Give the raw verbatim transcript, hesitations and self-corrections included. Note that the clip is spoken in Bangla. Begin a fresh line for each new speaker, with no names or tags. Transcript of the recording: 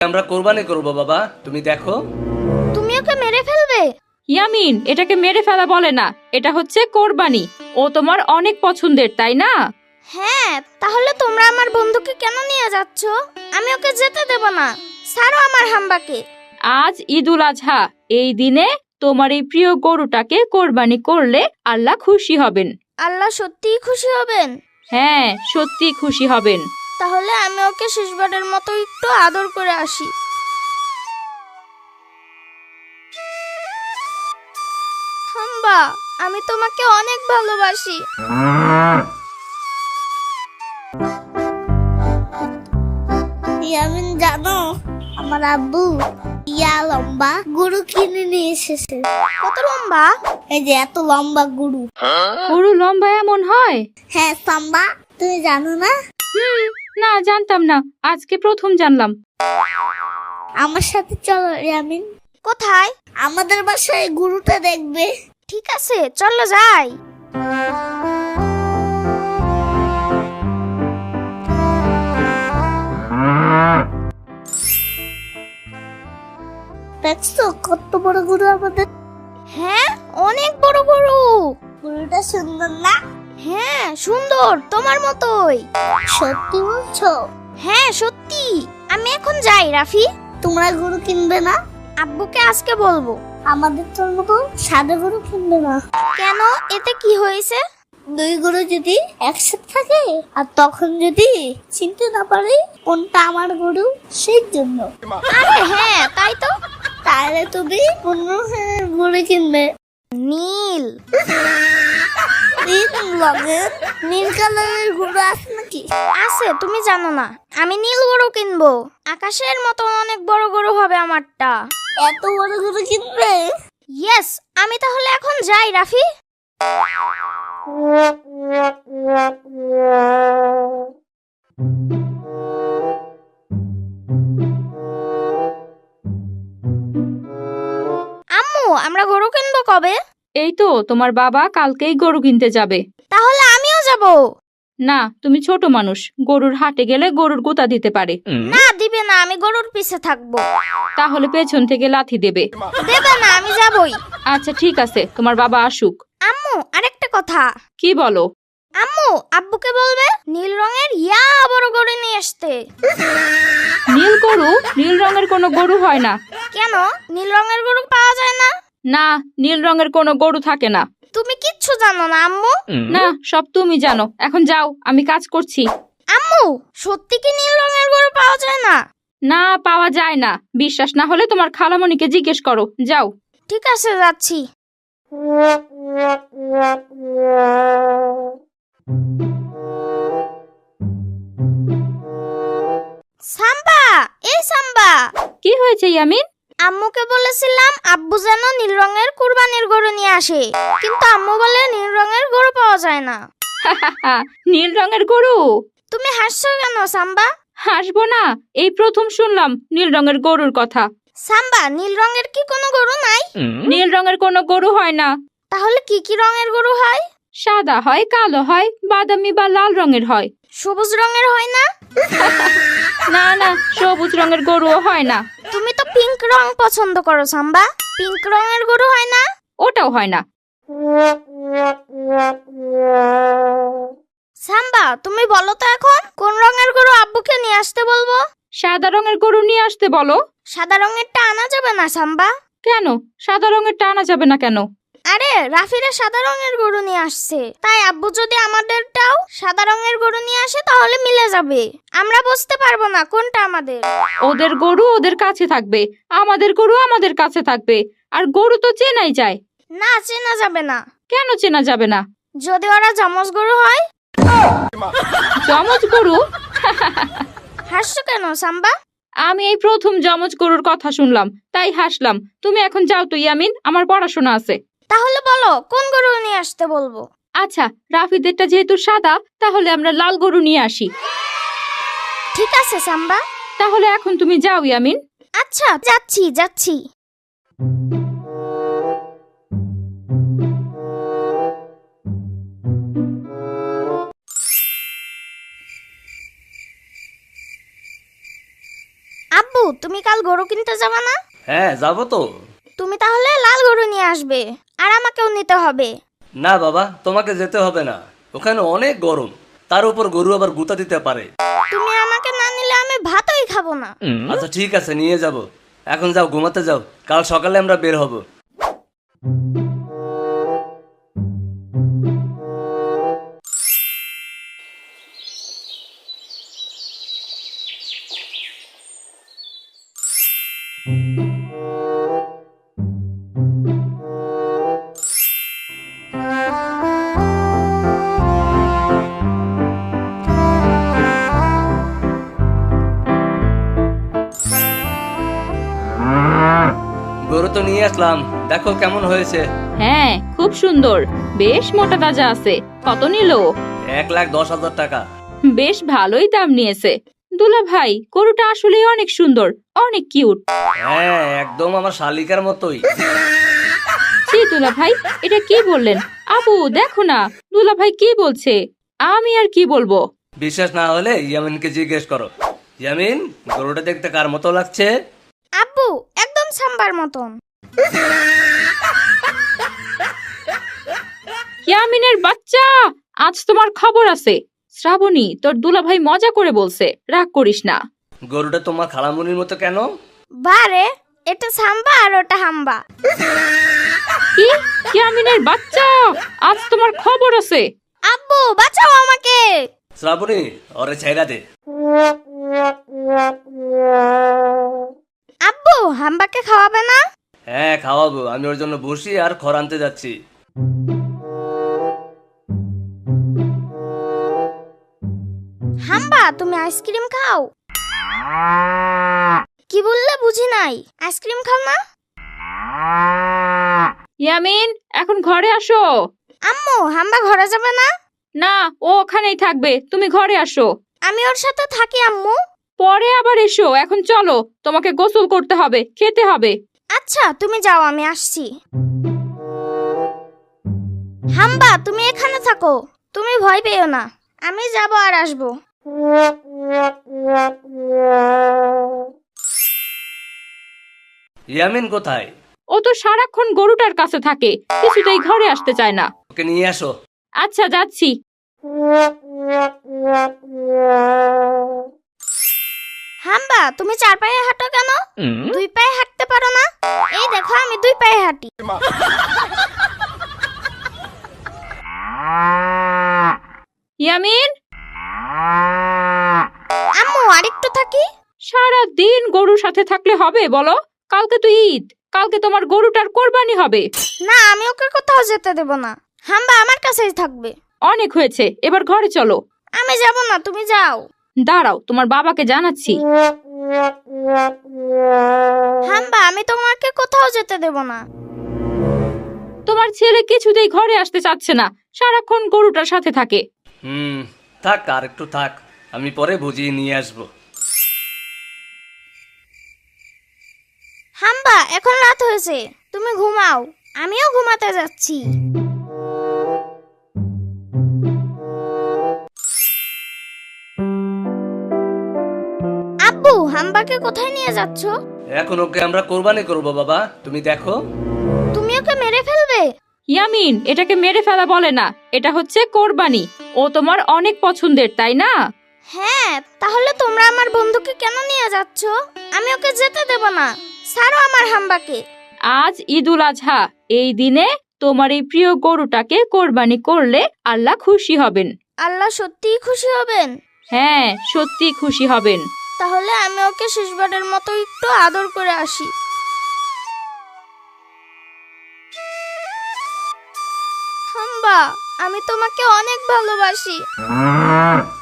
আমরা কোরবানি করব বাবা, তুমি দেখো।
তুমি ওকে মেরে ফেলবে?
ইয়ামিন, এটাকে মেরে ফেলা বলে না, এটা হচ্ছে কোরবানি। ও তোমার অনেক পছন্দের, তাই না?
হ্যাঁ, তাহলে তোমরা আমার বন্ধুকে কেন নিয়ে যাচ্ছ? আমি ওকে যেতে দেব না। ছাড়ো আমার হাম্বাকে।
আজ ঈদুল আজহা, এই দিনে তোমার এই প্রিয় গরুটাকে কোরবানি করলে আল্লাহ খুশি হবেন।
আল্লাহ সত্যিই খুশি হবেন?
হ্যাঁ, সত্যি খুশি হবেন।
তাহলে আমি ওকে শেষবারের মতো একটু আদর করে আসি। হাম্বা, আমি তোমাকে অনেক ভালোবাসি।
ইয়ামিন, জানো আমার আব্বু ইয়া লম্বা গরু কিনে নিয়ে এসেছে।
কত লম্বা?
এই যে এত লম্বা গরু।
গরু লম্বা এমন হয়?
হ্যাঁ সাম্বা, তুমি জানো না?
হুম, না জানতাম না, আজকে প্রথম জানলাম।
আমার সাথে চলো ইয়ামিন।
কোথায়?
আমাদের বাসায় গরুটা দেখবে।
ঠিক আছে, চলো যাই।
দেখছো কত বড় গরু আমাদের?
হ্যাঁ, অনেক বড় গরু।
গরুটা সুন্দর না?
হ্যাঁ, সুন্দর, তোমার মতোই।
সত্যি বলছো?
হ্যাঁ, সত্যি। আমি এখন যাই রাফি।
তোমরা গরু কিনবে না?
আব্বুকে আজকে বলবো।
আমাদের তোর মতো সাদা গরু কিনবে না।
কেন? এতে কি হয়েছে?
দুই গরু যদি একসাথে থাকে আর তখন যদি চিনতে না পারে কোনটা আমার গরু, সেই জন্য।
আরে হ্যাঁ, তাই তো।
তাহলে তুমি কোন গরু কিনবে?
নীল।
নীল রঙের? নীল কালারের গরু আছে নাকি?
আছে, তুমি জানো না। আমি নীল গরু কিনবো। আকাশের মতো অনেক বড় গরু হবে আমারটা।
এত বড় গরু কিনবে?
ইয়েস, আমি তাহলে এখন যাই রাফি। আম্মু, আমরা গরু কিনবো কবে?
এই তো তোমার বাবা কালকেই গরু কিনতে যাবে।
তাহলে আমিও যাব।
না, তুমি ছোট মানুষ, গরুর হাটে গেলে গরুর গোতা দিতে পারে।
না, দিবে না, আমি গরুর পিছে থাকবো।
তাহলে পেছন থেকে লাথি দেবে।
দেবে না, আমি যাবই।
আচ্ছা ঠিক আছে, তোমার বাবা আসুক।
আম্মু, আরেকটা কথা।
কি বলো?
আম্মু, আব্বুকে বলবে নীল রঙের ইয়া বড় গরু নিয়ে আসতে।
নীল গরু? নীল রঙের কোনো গরু হয় না।
কেন? নীল রঙের গরু পাওয়া যায় না?
না, নীল রঙের কোনো গরু থাকে না।
তুমি কিচ্ছু জানো না আম্মু।
না, সব তুমি জানো। এখন যাও, আমি কাজ করছি।
আম্মু, সত্যি কি নীল রঙের গরু পাওয়া যায় না?
না, পাওয়া যায় না। বিশ্বাস না হলে তোমার খালামণিকে জিজ্ঞেস করো। যাও।
ঠিক আছে, যাচ্ছি। সাম্বা, এই সাম্বা।
কি হয়েছে ইয়ামিন?
আম্মুকে বলেছিলাম আব্বু যেন নীল রঙের কুরবানির গরু নিয়ে আসে, কিন্তু আম্মু বলে নীল রঙের গরু পাওয়া যায় না।
নীল রঙের গরু?
তুমি হাসছো কেন সাম্বা?
হাসবো না, এই প্রথম শুনলাম নীল রঙের গরুর কথা।
সাম্বা, নীল রঙের কি কোনো গরু নাই?
নীল রঙের কোনো গরু হয় না।
তাহলে কি কি রঙের গরু হয়?
সাদা হয়, কালো হয়, বাদামি বা লাল রঙের হয়।
সবুজ রঙের হয় না?
না না, সবুজ রঙের গরুও হয় না।
তুমি তো পিঙ্ক রং পছন্দ করো সাম্বা। পিঙ্ক রঙের গরু হয় না?
ওটাও হয় না।
সাম্বা, তুমি বলো তো এখন কোন রঙের গরু আব্বুকে নিয়ে আসতে বলবো?
সাদা রঙের গরু নিয়ে আসতে বলো।
সাদা রঙেরটা আনা যাবে না সাম্বা?
কেন? সাদা রঙের টানা যাবে না কেন?
আরে রাফিরা সাদা রঙের গরু নিয়ে আসছে, তাই আব্বু যদি আমাদেরটাও সাদা রঙের গরু নিয়ে আসে তাহলে মিলে যাবে। আমরা বুঝতে পারবো না কোনটা আমাদের।
ওদের গরু ওদের কাছে থাকবে, আমাদের গরু আমাদের কাছে থাকবে। আর গরু তো চেনাই যায়।
না, চেনা যাবে না।
কেন চেনা যাবে না?
যদি ওরা যমজ গরু হয়।
যমজ গরু?
হাসছো কেন সাম্বা?
আমি এই প্রথম যমজ গরুর কথা শুনলাম, তাই হাসলাম। তুমি এখন যাও তো ইয়ামিন, আমার পড়াশোনা আছে।
তাহলে বলো কোন গরু নিয়ে আসতে বলবো?
আচ্ছা, রাফিদেরটা যেহেতু সাদা, তাহলে আমরা লাল গরু নিয়ে আসি।
ঠিক আছে সাম্বা।
তাহলে এখন তুমি যাও ইয়ামিন।
আচ্ছা, যাচ্ছি যাচ্ছি। আব্বু, আব্বু তুমি কাল গরু কিনতে যাবে না?
হ্যাঁ যাবো তো।
তুমি তাহলে লাল গরু নিয়ে আসবে, আর আমাকেও নিতে হবে।
না বাবা, তোমাকে যেতে হবে না, ওখানে অনেক গরম, তার উপর গরু আবার গুতা দিতে পারে।
তুমি আমাকে না নিলে আমি ভাতই খাবো না।
আচ্ছা ঠিক আছে, নিয়ে যাব। এখন যাও, ঘুমাতে যাও, কাল সকালে আমরা বের হব। গরু তো নিয়ে আসলাম, দেখো কেমন হয়েছে।
হ্যাঁ খুব সুন্দর, বেশ মোটা তাজা আছে। কত নিল?
এক লাখ দশ হাজার টাকা।
বেশ ভালোই দাম নিয়েছে। দুলা ভাই, গরুটা আসলে অনেক সুন্দর, অনেক কিউট।
হ্যাঁ একদম আমার শালিকার মতোই।
জি দুলা ভাই, এটা কি বললেন? আবু দেখো না, দুলা ভাই কি বলছে। আমি আর কি বলবো।
বিশ্বাস না হলে ইয়ামিনকে জিজ্ঞেস করো। ইয়ামিন, গরুটা দেখতে কার মতো লাগছে?
আব্বু একদম সাম্বার মতন।
ইয়ামিনের বাচ্চা, আজ তোমার খবর আছে। শ্রাবণী, তোর দুলা ভাই মজা করে বলছে, রাগ করিস না।
গরুটা তোমার খালামুনির মতো কেন?
বারে, এটা সাম্বা আর ওটা হাম্বা।
কি? ইয়ামিনের বাচ্চা, আজ তোমার খবর আছে।
আব্বু বাঁচাও আমাকে।
শ্রাবণী, ওরে ছাইরা দে।
আব্বু হাম্বাকে খাওয়াবে না?
হ্যাঁ খাওয়াবো, আমি ওর জন্য বসি আর খড় আনতে যাচ্ছি।
হাম্বা তুমি আইসক্রিম খাও? কি বললে বুঝি নাই। আইসক্রিম খাও না?
ইয়ামিন, এখন ঘরে আসো।
আম্মু হাম্বা ঘরে যাবে না?
না, ও ওখানেই থাকবে, তুমি ঘরে আসো।
আমি ওর সাথে থাকি আম্মু।
পরে আবার এসো, এখন চলো, তোমাকে গোসল করতে হবে, খেতে হবে।
আচ্ছা তুমি যাও, আমি আসছি। হাম্বা তুমি এখানে থাকো, তুমি ভয় পেও না, আমি যাব আর আসবো।
ইয়ামিন কোথায়?
ও তো সারাক্ষণ গরুটার কাছে থাকে, কিছুতেই ঘরে আসতে চায় না।
ওকে নিয়ে আসো।
আচ্ছা যাচ্ছি।
হাম্বা তুমি চার পায়ে হাঁটো কেন? দুই পায়ে হাঁটতে পারো না? এই দেখো আমি দুই পায়ে হাঁটি।
ইয়ামিন,
আম্মু আরেকটু থাকি।
সারা দিন গরুর সাথে থাকলে হবে বলো? কালকে তো ঈদ, কালকে তোমার গরুটার কোরবানি হবে।
না আমি ওকে কোথাও যেতে দেব না, হাম্বা আমার কাছেই থাকবে।
অনেক হয়েছে, এবার ঘরে চলো।
আমি যাব না, তুমি যাও।
দাঁড়াও, তোমার বাবাকে জানাচ্ছি।
হাম্বা আমি তোমাকে কোথাও যেতে দেব না।
তোমার ছেলে কিছুতেই ঘরে আসতে চাচ্ছে না, সারাক্ষণ গরুটার সাথে থাকে।
হুম থাক, আর একটু থাক, আমি পরে বুঝিয়ে নিয়ে আসবো।
হাম্বা এখন রাত হয়েছে, তুমি ঘুমাও, আমিও ঘুমাতে যাচ্ছি। আব্বু হাম্বাকে কোথায় নিয়ে যাচ্ছ?
এখন ওকে আমরা কোরবানি করব বাবা, তুমি দেখো।
তুমি ওকে মেরে ফেলবে?
ইয়ামিন, এটাকে মেরে ফেলা বলে না, এটা হচ্ছে কোরবানি। ও তোমার অনেক পছন্দের, তাই না?
হ্যাঁ, তাহলে তোমরা আমার বন্ধুকে কেন নিয়ে যাচ্ছ? আমি ওকে যেতে দেব না, ছাড়ো আমার হাম্বাকে।
আজ ঈদুল আজহা, এই দিনে তোমার এই প্রিয় গরুটাকে কোরবানি করলে আল্লাহ খুশি হবেন।
আল্লাহ সত্যিই খুশি হবেন?
হ্যাঁ, সত্যি খুশি হবেন।
তাহলে আমি ওকে শেষবারের মতো একটু আদর করে আসি। হাম্বা আমি তোমাকে অনেক ভালোবাসি।